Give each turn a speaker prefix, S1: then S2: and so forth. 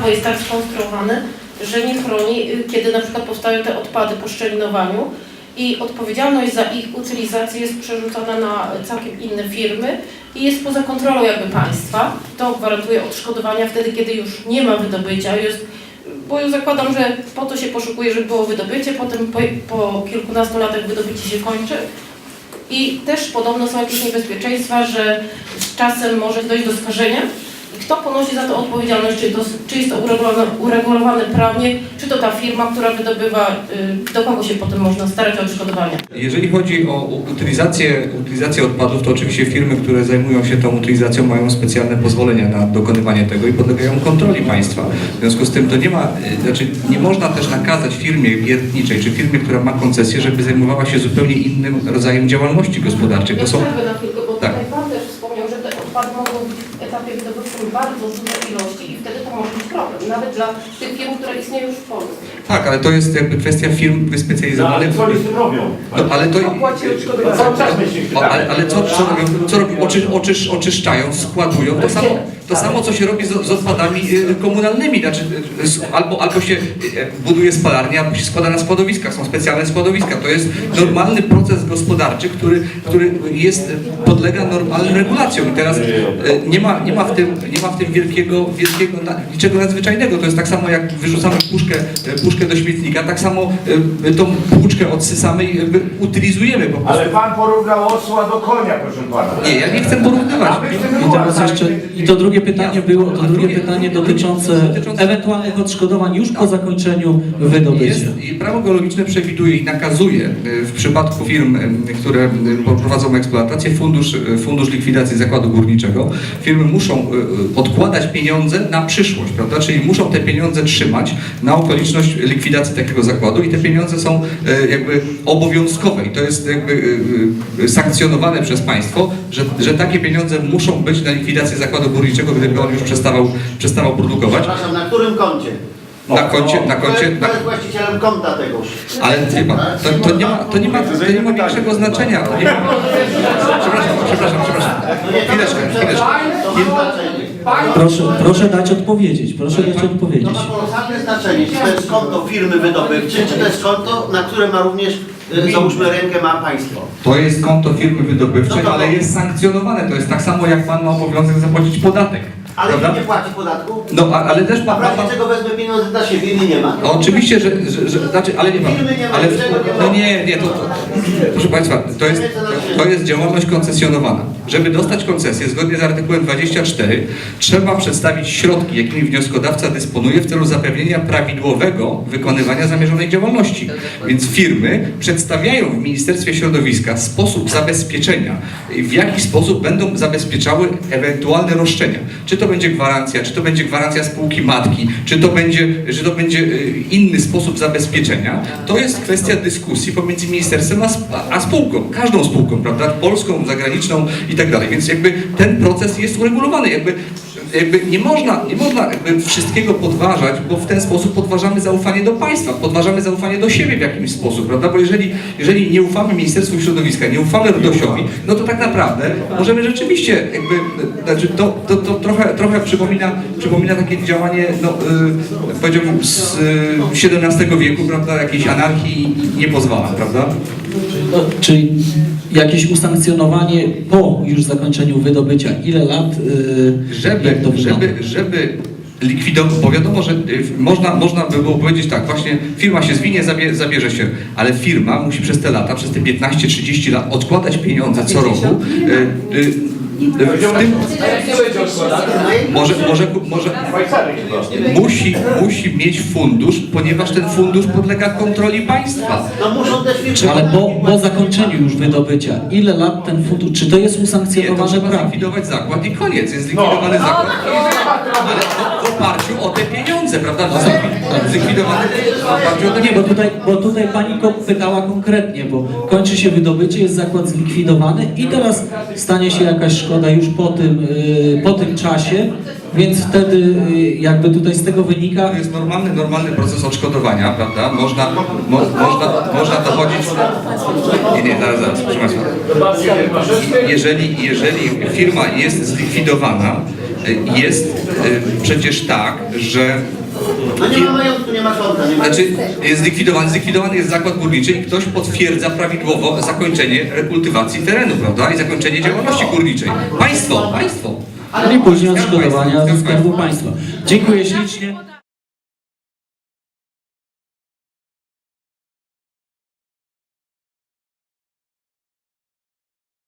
S1: prawo jest tak skonstruowane, że nie chroni, kiedy na przykład powstają te odpady po szczelinowaniu i odpowiedzialność za ich utylizację jest przerzucona na całkiem inne firmy i jest poza kontrolą jakby państwa. To gwarantuje odszkodowania wtedy, kiedy już nie ma wydobycia, bo ja zakładam, że po to się poszukuje, żeby było wydobycie, potem po kilkunastu latach wydobycie się kończy. I też podobno są jakieś niebezpieczeństwa, że z czasem może dojść do skażenia. I kto ponosi za to odpowiedzialność? Czy jest to uregulowane prawnie? Czy to ta firma, która wydobywa? Do kogo się potem można starać o odszkodowanie?
S2: Jeżeli chodzi o utylizację odpadów, to oczywiście firmy, które zajmują się tą utylizacją, mają specjalne pozwolenia na dokonywanie tego i podlegają kontroli państwa. W związku z tym to nie można też nakazać firmie wiertniczej czy firmie, która ma koncesję, żeby zajmowała się zupełnie innym rodzajem działalności gospodarczej. To są...
S1: na chwilkę, bo tutaj Pan też wspomniał, że te odpady mogą być w etapie wydobywczym bardzo duże ilości i wtedy to może być problem, nawet dla tych firm, które istnieją już w Polsce.
S2: Tak, ale to jest jakby kwestia firm wyspecjalizowanych.
S3: No, ale co oni z tym robią?
S2: No, ale to... Ale co robią? Oczyszczają, składują. To samo, co się robi z odpadami komunalnymi. Znaczy, albo się buduje spalarnię, albo się składa na składowiskach. Są specjalne składowiska. To jest normalny proces gospodarczy, który podlega normalnym regulacjom. I teraz nie ma w tym wielkiego niczego nadzwyczajnego. To jest tak samo, jak wyrzucamy puszkę do śmietnika, tak samo tą płuczkę odsysamy i utylizujemy po prostu.
S3: Ale Pan porównał osła do konia, proszę Pana.
S2: Nie, ja nie chcę porównywać.
S4: I teraz jeszcze, i to drugie pytanie było, dotyczące ewentualnych odszkodowań już po zakończeniu wydobycia.
S2: I prawo geologiczne przewiduje i nakazuje w przypadku firm, które prowadzą eksploatację, fundusz likwidacji zakładu górniczego. Firmy muszą odkładać pieniądze na przyszłość, prawda? Czyli muszą te pieniądze trzymać na okoliczność likwidacji takiego zakładu i te pieniądze są jakby obowiązkowe i to jest jakby sankcjonowane przez państwo, że takie pieniądze muszą być na likwidację zakładu górniczego, gdyby on już przestawał produkować.
S5: Przepraszam, na którym koncie?
S2: Na koncie.
S5: Kto jest właścicielem konta tegoż?
S2: Ale wie pan, to nie ma większego znaczenia. Przepraszam. Chwileczkę.
S4: Proszę dać odpowiedzieć.
S5: To ma kolosalne znaczenie, czy to jest konto firmy wydobywczej, czy to jest konto, na które ma również, załóżmy, rękę ma państwo.
S2: To jest konto firmy wydobywczej, ale jest sankcjonowane. To jest tak samo, jak pan ma obowiązek zapłacić podatek.
S5: Ale
S2: prawda?
S5: nie płaci podatku?
S2: No, ale też
S5: A w razie czego wezmę pieniądze dla siebie i nie ma?
S2: No, oczywiście, znaczy, ale nie ma.
S5: Firmy nie ma,
S2: Ale,
S5: niczego nie ma.
S2: no nie, proszę Państwa, to jest działalność koncesjonowana. Żeby dostać koncesję, zgodnie z artykułem 24, trzeba przedstawić środki, jakimi wnioskodawca dysponuje w celu zapewnienia prawidłowego wykonywania zamierzonej działalności. Więc firmy przedstawiają w Ministerstwie Środowiska sposób zabezpieczenia, w jaki sposób będą zabezpieczały ewentualne roszczenia. Czy to będzie gwarancja spółki matki, czy to będzie inny sposób zabezpieczenia, to jest kwestia dyskusji pomiędzy ministerstwem a spółką, każdą spółką, prawda, polską, zagraniczną i tak dalej. Więc jakby ten proces jest uregulowany, jakby nie można jakby wszystkiego podważać, bo w ten sposób podważamy zaufanie do państwa, podważamy zaufanie do siebie w jakimś sposób, prawda? Bo jeżeli nie ufamy Ministerstwu Środowiska, nie ufamy RDOŚ-owi, no to tak naprawdę możemy rzeczywiście jakby, znaczy to trochę przypomina takie działanie, no, powiedziałbym z XVII wieku, prawda, jakiejś anarchii nie pozwala, prawda?
S4: Czyli jakieś usankcjonowanie po już zakończeniu wydobycia, ile lat?
S2: Żeby likwidować, bo wiadomo, że można by było powiedzieć tak, właśnie firma się zwinie, zabierze się, ale firma musi przez te lata, przez te 15-30 lat odkładać pieniądze co roku. Musi mieć fundusz, ponieważ ten fundusz podlega kontroli państwa.
S5: No muszą też firmy...
S4: Ale po zakończeniu już wydobycia, ile lat ten fundusz, czy to jest usankcjonowane
S2: trzeba
S4: prawnie?
S2: zlikwidować zakład i koniec, jest zlikwidowany zakład, ale w oparciu o te pieniądze, prawda? Zlikwidowany w oparciu o te
S4: Nie, bo tutaj pani pytała konkretnie, bo kończy się wydobycie, jest zakład zlikwidowany i teraz stanie się jakaś szkoda już po tym czasie, więc wtedy jakby tutaj z tego wynika...
S2: To jest normalny proces odszkodowania, prawda? Można dochodzić... Nie, zaraz, proszę Państwa. Jeżeli firma jest zlikwidowana, jest przecież tak, że
S5: No nie ma majątku, nie ma konta, nie ma...
S2: znaczy jest zlikwidowany jest zakład górniczy i ktoś potwierdza prawidłowo zakończenie rekultywacji terenu, prawda? I zakończenie działalności górniczej. Państwo!
S4: I później odszkodowania ze Skarbu Państwa. Dziękuję ślicznie.